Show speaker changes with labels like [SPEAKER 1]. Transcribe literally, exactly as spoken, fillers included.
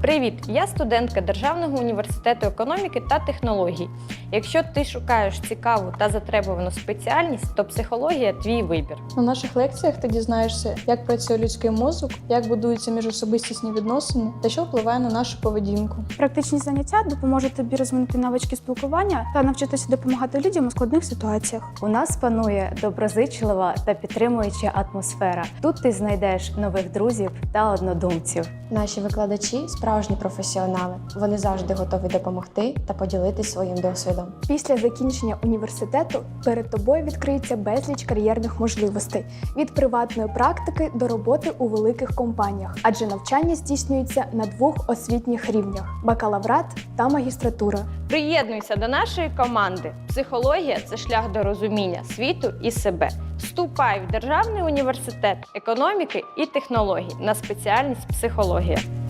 [SPEAKER 1] Привіт! Я студентка Державного університету економіки та технологій. Якщо ти шукаєш цікаву та затребувану спеціальність, то психологія – твій вибір.
[SPEAKER 2] На наших лекціях ти дізнаєшся, як працює людський мозок, як будуються міжособистісні відносини та що впливає на нашу поведінку.
[SPEAKER 3] Практичні заняття допоможуть тобі розвинути навички спілкування та навчитися допомагати людям у складних ситуаціях.
[SPEAKER 4] У нас панує доброзичлива та підтримуюча атмосфера. Тут ти знайдеш нових друзів та однодумців.
[SPEAKER 5] Наші викладачі – справжні професіонали. Вони завжди готові допомогти та поділитись своїм досвідом.
[SPEAKER 3] Після закінчення університету перед тобою відкриється безліч кар'єрних можливостей – від приватної практики до роботи у великих компаніях, адже навчання здійснюється на двох освітніх рівнях – бакалаврат та магістратура.
[SPEAKER 1] Приєднуйся до нашої команди. Психологія – це шлях до розуміння світу і себе. Вступай в Державний університет економіки і технологій на спеціальність психологія.